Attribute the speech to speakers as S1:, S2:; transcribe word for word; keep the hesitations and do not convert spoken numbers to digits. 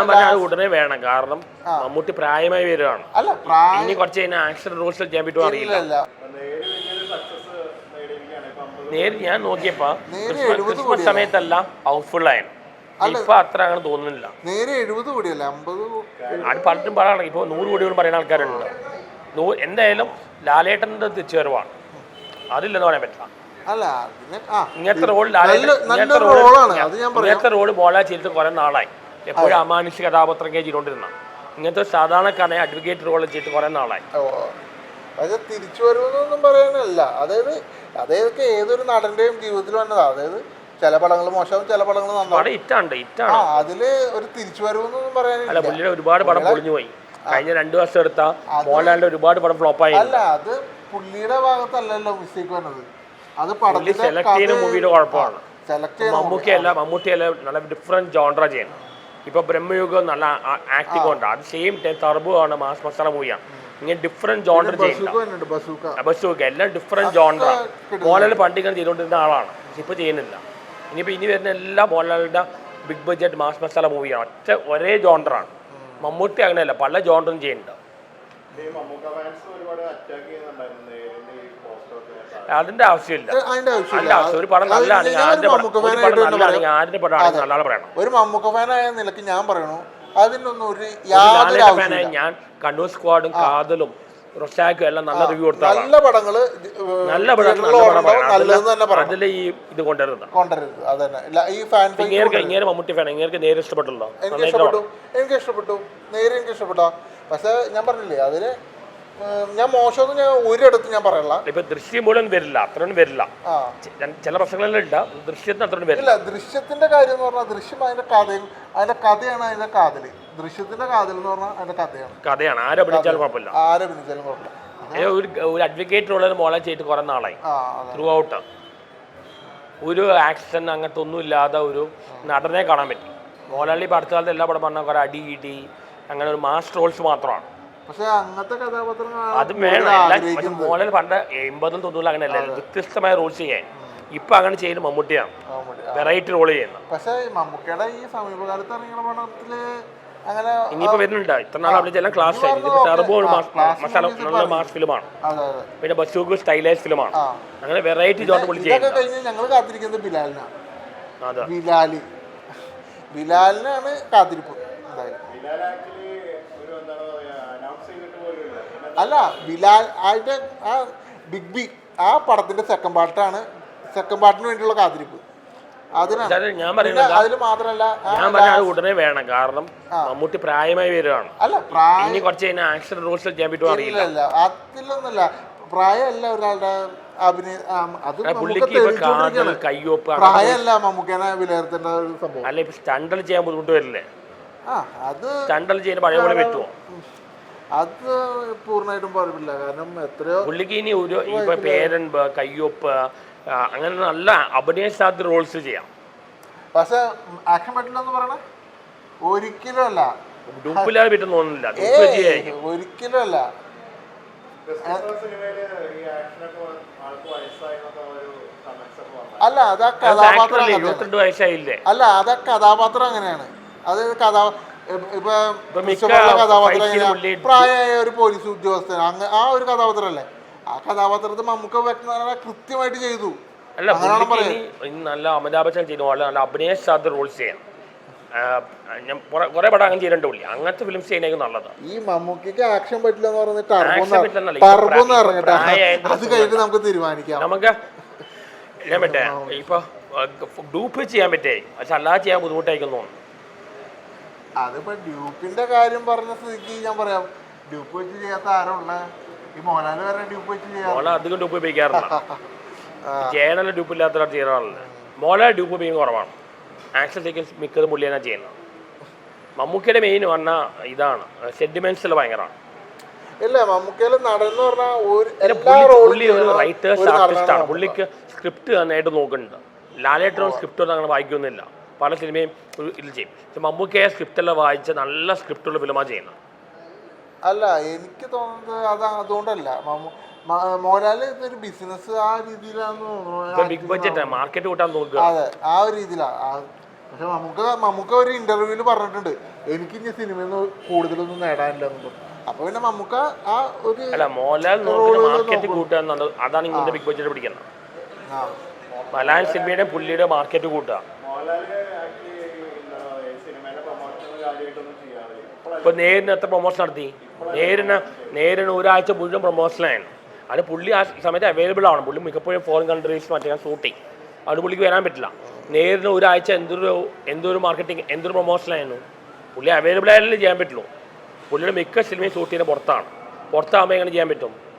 S1: ഞാൻ പറഞ്ഞ അത് ഉടനെ വേണം. കാരണം മമ്മൂട്ടി പ്രായമായി വരികയാണ്. ഇനി കുറച്ച് കഴിഞ്ഞാൽ ആക്ഷൻ റോൾസ് ചെയ്യാൻ പറ്റുമോ അറിയില്ല. നേരെ ഞാൻ നോക്കിയപ്പോ ക്രിസ്മസ് സമയത്തെല്ലാം ഹൗസ്ഫുൾ ആയിരുന്നു. ഇപ്പൊ അത്ര അങ്ങനെ തോന്നുന്നില്ല.
S2: നേരെ എഴുപത് കോടിയല്ല അമ്പത്.
S1: അത് പലരും പറയണം. ഇപ്പൊ നൂറ് കോടിയോളം പറയുന്ന ആൾക്കാരുണ്ട്. എന്തായാലും ലാലേട്ടൻ്റെ തിരിച്ചുവരവാണ്. അതില്ലെന്ന് പറയാൻ പറ്റില്ല. ഇങ്ങനത്തെ റോൾ ഇങ്ങനത്തെ റോള് മോളെ ചെയ്തിട്ട് കുറെ നാളായി. എപ്പോഴും അമാനുഷിക കഥാപാത്രം ചെയ്തുകൊണ്ടിരുന്ന ഇങ്ങനത്തെ സാധാരണക്കാരനെ അഡ്വക്കേറ്റ് റോൾ ചെയ്തിട്ട് കുറെ നാളായി.
S2: പക്ഷെ തിരിച്ചു വരുമെന്നൊന്നും പറയാനല്ല. അതായത് അതായത് ഏതൊരു നടന്റെയും ജീവിതത്തിൽ വന്നതാ. അതായത് ചില പടങ്ങൾ മോശമാവും, ചില പടങ്ങൾ നന്നാവും.
S1: ഇറ്റാണ്ട് ഇറ്റാണ്
S2: അതില് ഒരു തിരിച്ചു വരവെന്നൊന്നും പറയാനില്ല.
S1: പുള്ളിയുടെ ഒരുപാട് പടം പൊളിഞ്ഞു പോയി. കഴിഞ്ഞ രണ്ടു വർഷം എടുത്ത മോഹൻലാലിന്റെ ഒരുപാട് പടം ഫ്ലോപ്പായി.
S2: അല്ല, അത് പുള്ളിയുടെ ഭാഗത്തല്ലല്ലോ മിസ്റ്റേക്ക് വന്നത്. അത്
S1: സെലക്ട് ചെയ്യുന്ന മൂവിയുടെ കുഴപ്പമാണ്. മമ്മൂക്കിയല്ല മമ്മൂട്ടിയല്ല നല്ല ഡിഫറെന്റ് ജോൺറ ചെയ്യുന്നത്. ഇപ്പൊ ബ്രഹ്മയുഗം നല്ല ആക്ടിംഗ് ഉണ്ട്. അത് സെയിം ടൈം ടർബോ ആണ്, മാസ് മസാല മൂവിയാണ്. ഇങ്ങനെ ഡിഫറെന്റ് ജോൺറ ചെയ്യുന്നുണ്ട്. ബസൂക്ക എല്ലാം ഡിഫറെന്റ് ജോൺറ. മോഹൻലാൽ പണ്ടിങ്ങനെ ചെയ്തുകൊണ്ടിരുന്ന ആളാണ്, ഇപ്പൊ ചെയ്യുന്നില്ല. ഇനിയിപ്പോ ഇനി വരുന്ന എല്ലാ മോഹൻലാലിന്റെ ബിഗ് ബഡ്ജറ്റ് മാസ് മസാല മൂവിയാണ്. ഒറ്റ ഒരേ ജോൺറാണ്. മമ്മൂട്ടി അങ്ങനെയല്ല, പല ജോൺറും ചെയ്യുന്നുണ്ട്. അതിന്റെ ആവശ്യമില്ല. അതിന്റെ ആവശ്യം ഒരു പടം നല്ലതാണെങ്കിൽ ആദ്യത്തെ പടം നല്ലതാണെങ്കിൽ ആദ്യത്തെ പടമാണ് നല്ലതാണ് പറയണം.
S2: ഒരു മമ്മൂക്ക ഫാനായ നിലയ്ക്ക് ഞാൻ പറയണു, അതിനൊന്നും ഒരു
S1: ഫാനായി ഞാൻ കണ്ണൂർ സ്ക്വാഡും കാതലും റൊസാക്കും എല്ലാം നല്ല റിവ്യൂ കൊടുത്ത
S2: നല്ല പടങ്ങള്
S1: നല്ല പടങ്ങൾ അതിൽ ഈ ഇത് കൊണ്ടുവരുന്നത് ഇങ്ങനെ മമ്മൂട്ടി ഫാൻ ഇങ്ങനെ നേരെ ഇഷ്ടപ്പെട്ടല്ലോ.
S2: എനിക്ക് ഇഷ്ടപ്പെട്ടു എനിക്ക് ഇഷ്ടപ്പെട്ടു നേരെ എനിക്ക് ഇഷ്ടപ്പെട്ടോ. പക്ഷെ ഞാൻ പറഞ്ഞില്ലേ, അതില് ഞാൻ മോശമൊന്നും ഞാൻ ഒരിടത്ത് ഞാൻ പറയല്ല.
S1: ഇപ്പൊ ദൃശ്യം മുഴുവൻ വരില്ല, അത്രയൊന്നും വരില്ല. ചില പ്രശ്നങ്ങളെല്ലാം ഇല്ല, ദൃശ്യത്തിന് അത്രയൊന്നും വരില്ല.
S2: ദൃശ്യത്തിന്റെ കാര്യം എന്ന് പറഞ്ഞാൽ ദൃശ്യം അതിന്റെ കഥയും അതിന്റെ കഥയാണ് അതിന്റെ കാതല്. ദൃശ്യത്തിന്റെ കാതൽ എന്ന് പറഞ്ഞാൽ അതിന്റെ കഥയാണ്
S1: കഥയാണ് ആരഭിനയിച്ചാലും കുഴപ്പമില്ല.
S2: ആരഭിനയിച്ചാലും കുഴപ്പമില്ല.
S1: ഒരു അഡ്വക്കേറ്റ് ഉള്ളത് മോളെ ചെയ്തിട്ട് കുറെ നാളായി. ത്രൂ ഔട്ട് ഒരു ആക്ഷൻ അങ്ങനത്തെ ഒന്നും ഇല്ലാതെ ഒരു നടനെ കാണാൻ പറ്റി. മോഹൻലാലി ഇപ്പൊ അടുത്ത കാലത്ത് എല്ലാ പടം പറഞ്ഞാൽ കുറെ അടി ഇടി അങ്ങനെ ഒരു മാസ് റോൾസ് മാത്രമാണ്.
S2: പക്ഷെ അങ്ങനത്തെ കഥാപാത്രം
S1: അത് വേണം. മോഹൻലാൽ പണ്ട് എൺപതും തൊണ്ണൂറിലും അങ്ങനെയല്ല, വ്യത്യസ്തമായ റോൾസ് ചെയ്യാൻ. ഇപ്പൊ അങ്ങനെ ചെയ്യുന്ന മമ്മൂട്ടിയാണ്, വെറൈറ്റി റോൾ ചെയ്യുന്നത്.
S2: പക്ഷെ മമ്മൂക്കയുടെ ഈ സമീപകാലത്ത് ഇറങ്ങിയ പടത്തില് അങ്ങനെ
S1: ഇനിയിപ്പോ വരുന്നുണ്ട്. ഇത്ര നാൾ അഭിനയിച്ചെല്ലാം ക്ലാസ് ആയിരുന്നു. ടർബോ മസാല നല്ല മാസ് ഫിലിമാണ്, പിന്നെ ബസൂക്ക് സ്റ്റൈലൈസ് ഫിലിമാണ്. അങ്ങനെ വെറൈറ്റി ജോൺ വിളിച്ച്
S2: ഞങ്ങൾ കാത്തിരിക്കുന്നത് ബിലാലിനാണ്. ബിലാല് ബിലാലിനാണ് കാത്തിരിപ്പ്. അല്ല, ബിലാൽ അതിന്റെ ആ ബിഗ് ബി ആ പടത്തിന്റെ സെക്കൻഡ് പാർട്ടാണ്. സെക്കൻഡ് പാർട്ടിന് വേണ്ടിയുള്ള കാത്തിരിപ്പ് അതിനാണ്.
S1: ഞാൻ പറയുന്നത്
S2: അതിൽ മാത്രമല്ല,
S1: ഞാൻ പറഞ്ഞത് ഉടനെ വേണം. കാരണം മമ്മൂട്ടി പ്രായമായി വരികയാണ്.
S2: അല്ല, പ്രായം
S1: ഇനി കുറച്ച് കഴിഞ്ഞാൽ ആക്ഷൻ റോൾസ് ചെയ്യാൻ പറ്റുമോ അറിയില്ല.
S2: അതിലൊന്നുമല്ല, പ്രായമല്ല ഒരാളുടെ അഭിനയം. അത്
S1: കയ്യൊപ്പ്
S2: പ്രായമല്ല മമ്മൂക്കനെ വിലയിരുത്തേണ്ട ഒരു സംഭവം.
S1: അല്ല, ഇപ്പൊ സ്റ്റണ്ടൽ ചെയ്യാൻ ബുദ്ധിമുട്ട് വരില്ലേ?
S2: ആ അത്
S1: സ്റ്റണ്ടൽ ചെയ്യാൻ പഴയ പോലെ പറ്റുമോ?
S2: അത് പൂർണ്ണമായിട്ടും പറയില്ല. കാരണം എത്രയോ
S1: പുള്ളിക്ക് ഇനി ഒരു ഇപ്പൊ പേരൻപ് കയ്യൊപ്പ് അങ്ങനെ നല്ല അഭിനയ സാധ്യത റോൾസ് ചെയ്യാം.
S2: പക്ഷെ ആക്ഷൻ പറ്റില്ല എന്ന് പറയണ ഒരിക്കലും അല്ല.
S1: ഡൂപ്പില്ലാതെ പറ്റും തോന്നുന്നില്ല.
S2: ഒരിക്കലും അല്ല. അല്ല, അത് ആ കഥാപാത്രം
S1: ഇരുപത്തിരണ്ട് വയസ്സായില്ലേ?
S2: അല്ല, അത് ആ കഥാപാത്രം അങ്ങനെയാണ്. അത് കഥാ ഇപ്പൊ കഥാപാത്രം പ്രായമായ ഒരു പോലീസ് ഉദ്യോഗസ്ഥൻ അങ്ങ് ആ ഒരു കഥാപാത്രമല്ലേ. ആ കഥാപാത്രത്തെ മമ്മൂക്ക വ്യക്തത കൃത്യമായിട്ട് ചെയ്തു.
S1: അല്ല, നല്ല അമിതാഭ് ബച്ചൻ ചെയ്തു, നല്ല അഭിനയ സാധ്യത റോൾസ് ചെയ്യാം. ഞാൻ കുറെ പടം അങ്ങനെ ചെയ്തിട്ടുണ്ട് പുള്ളി. അങ്ങനത്തെ ഫിലിംസ് ചെയ്യുന്നതായിരിക്കും നല്ലത്.
S2: ഈ മമ്മൂക്കിക്ക് ആക്ഷൻ പറ്റില്ല എന്ന് പറഞ്ഞിട്ട് അത് കഴിഞ്ഞിട്ട് നമുക്ക് തീരുമാനിക്കാം.
S1: നമുക്ക് ഞാൻ പറ്റേ ഇപ്പൊ ഡൂപ്പ് ചെയ്യാൻ പറ്റേ, പക്ഷെ അല്ലാതെ ചെയ്യാൻ ബുദ്ധിമുട്ടായിരിക്കും തോന്നുന്നു.
S2: അതിപ്പോ ഡ്യൂപ്പിന്റെ കാര്യം പറഞ്ഞ സ്ഥിതിക്ക് ഞാൻ പറയാം, ഡ്യൂപ്പ് വെച്ച് ചെയ്യാത്ത ആരുള്ള ഈ മോഹൻലാൽ വരെ ഡ്യൂപ്പ് വെച്ച് ചെയ്യാം.
S1: അധികം ഡ്യൂപ്പ് ഉപയോഗിക്കാറില്ല. ജയനല്ല ഡ്യൂപ്പ് ഇല്ലാത്ത ചെയ്യാറില്ല. മോഹൻലാൽ ഡ്യൂപ്പ് ഉപയോഗിക്കുന്ന കുറവാണ്. ആക്ഷൻ സീക്വൻസ് മിക്കതും പുള്ളിയാണ് ചെയ്യുന്നത്. മമ്മൂക്കയുടെ മെയിൻ പറഞ്ഞാൽ ഇതാണ്, സെന്റിമെന്റ്സിൽ ഭയങ്കരമാണ്.
S2: ഇല്ല, മമ്മൂക്കയില് നടന്ന് പറഞ്ഞാൽ
S1: പുള്ളി ഒരു റൈറ്റേഴ്സ് ആർട്ടിസ്റ്റാണ്. പുള്ളിക്ക് സ്ക്രിപ്റ്റ് നന്നായിട്ട് നോക്കുന്നുണ്ട്. ലാലേട്ടനും സ്ക്രിപ്റ്റ് ഒന്നും അങ്ങനെ വായിക്കൊന്നുമില്ല. പല സിനിമയും ഇതിൽ ചെയ്യും. പക്ഷെ മമ്മൂക്കയെ സ്ക്രിപ്റ്റെല്ലാം വായിച്ച് നല്ല സ്ക്രിപ്റ്റുള്ള ഫിലിമാണ് ചെയ്യുന്നത്.
S2: അല്ല, എനിക്ക് തോന്നുന്നത് അത് അതുകൊണ്ടല്ല. മോഹൻലാല് ഇതൊരു ബിസിനസ് ആ രീതിയിലാണെന്ന് തോന്നുന്നു.
S1: ബിഗ് ബഡ്ജറ്റ് മാർക്കറ്റ് കൂട്ടാൻ നോക്കുക.
S2: അതെ, ആ ഒരു രീതിയിലാണ്. പക്ഷെ നമുക്ക് നമുക്ക് ഒരു ഇന്റർവ്യൂവിൽ പറഞ്ഞിട്ടുണ്ട് എനിക്ക് ഇനി സിനിമയിൽ നിന്ന് കൂടുതലൊന്നും നേടാനില്ല എന്ന് പറഞ്ഞു. അപ്പൊ പിന്നെ നമുക്ക് ആ ഒരു
S1: അല്ല മോഹൻലാൽ മാർക്കറ്റ് കൂട്ടുക എന്നുള്ളത് അതാണ് ഇങ്ങനത്തെ ബിഗ് ബഡ്ജറ്റ് പിടിക്കുന്നത്. മലയാളം സിനിമയുടെ പുള്ളിയുടെ മാർക്കറ്റ് കൂട്ടുക. ഇപ്പൊ നേരിന് എത്ര പ്രൊമോഷൻ നടത്തി? നേരിന് നേരിന് ഒരാഴ്ച മുഴുവൻ പ്രൊമോഷനായിരുന്നു. അത് പുള്ളി ആ സമയത്ത് അവൈലബിൾ ആണ്. പുള്ളി മിക്കപ്പോഴും ഫോറിൻ കൺട്രീസ് മറ്റേ ഷൂട്ടിങ്, അത് പുള്ളിക്ക് വരാൻ പറ്റില്ല. നേരിന് ഒരാഴ്ച എന്തൊരു എന്തൊരു മാർക്കറ്റിംഗ് എന്തൊരു പ്രൊമോഷനായിരുന്നു. പുള്ളി അവൈലബിൾ ആയാലും ചെയ്യാൻ പറ്റുള്ളൂ. പുള്ളിയുടെ മിക്ക സിനിമയും ഷൂട്ട് ചെയ്യുന്നത് പുറത്താണ്. പുറത്താകുമ്പോൾ എങ്ങനെ ചെയ്യാൻ പറ്റും?